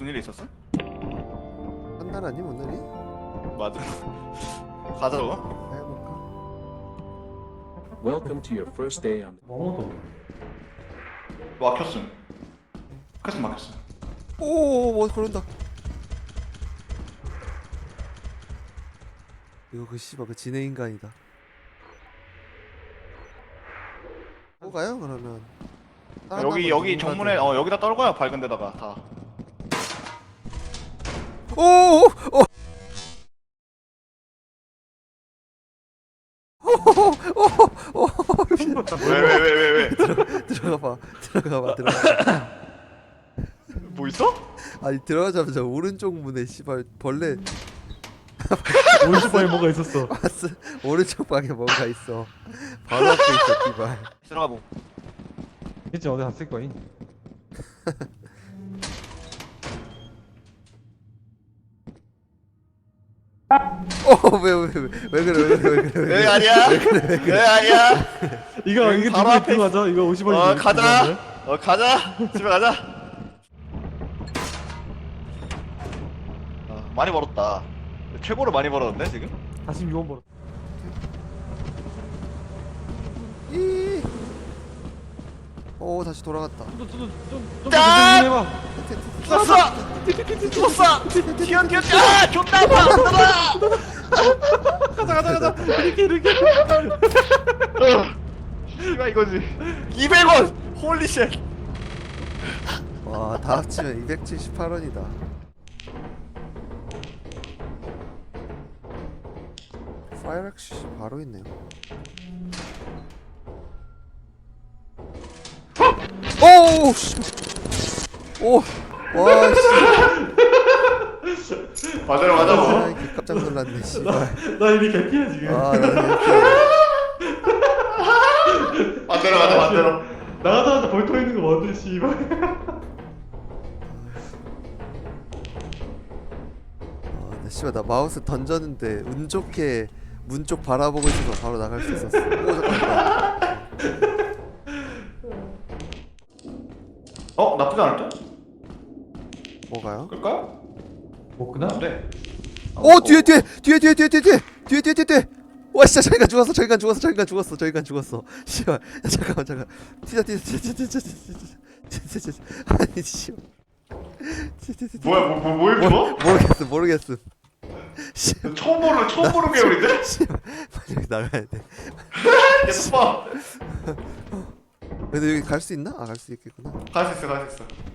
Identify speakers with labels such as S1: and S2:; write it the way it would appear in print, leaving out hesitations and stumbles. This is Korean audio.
S1: 무슨 일이 있었어?
S2: 한달 아님 오늘이?
S1: 맞아. 가자고.
S2: 해볼까?
S3: Welcome to your first day on.
S1: 막혔음. 캐스 막혔음.
S2: 오뭐 그런다. 이거 그 씨발 그 진해 인간이다. 뭐 가요 그러면?
S1: 여기 정문에 여기다 떨궈요. 밝은 데다가 다.
S2: 오오오
S1: 왜?
S2: 들어가봐.
S1: 뭐 있어?
S2: 아니 들어가자마자 오른쪽 문에 씨발 벌레
S4: 오른쪽 방에 뭐가 있었어.
S2: 봤어? 오른쪽 방에 뭔가 있어. 바로 앞에 있어 씨발.
S1: 들어가 보.
S4: 진짜 어디 갔을 거인.
S2: 왜 그래
S1: 왜 아니야? 왜 아니야?
S4: 이거 이게
S1: 바로
S4: 누구
S1: 앞에
S4: 그 맞아? 이거 50원이.
S1: 가자. 가자. 집에 가자. 많이 벌었다. 최고로 많이 벌었는데 지금?
S4: 46원 벌어.
S2: 오 다시 돌아갔다.
S4: 좀
S1: 짠!
S4: 해봐.
S1: 죽었어! 튀어! 아! 존나 아파!
S4: 가자. 이렇게.
S1: 이거 이거지. 200원! 홀리쉣!
S2: 와 다 합치면 278원이다. 파이렉시 바로 있네요. 오우 씨. 오. 와 씨.
S1: 맞아요.
S2: 아, 이렇게 깜짝 놀랐네 씨발.
S4: 나 이미 개피야 지금.
S2: 아, 나
S1: 맞대로 가자, 맞대로.
S4: 나가자마자 벌터 있는 거 뭔데 씨발.
S2: 나 씨발 나 마우스 던졌는데 운 좋게 문 쪽 바라보고 있어서 바로 나갈 수 있었어. 오 잠깐만.
S1: 나쁘지 않을 듯?
S2: 뭐가요?
S1: 끌까요?
S4: 먹구나.
S1: 안 돼.
S2: 오 뒤에. 와 진짜 저희가 죽었어. 씨발. 야, 잠깐. 튀자. 아니 씨발.
S1: 뭐야, 뭘 죽어?
S2: 모르겠음. 씨발.
S1: 처음 보는 계열인데?
S2: 씨발. 빨리 여기 나가야 돼.
S1: 계속 봐.
S2: 근데 여기 갈 수 있나? 갈 수 있겠구나.
S1: 갈 수 있어.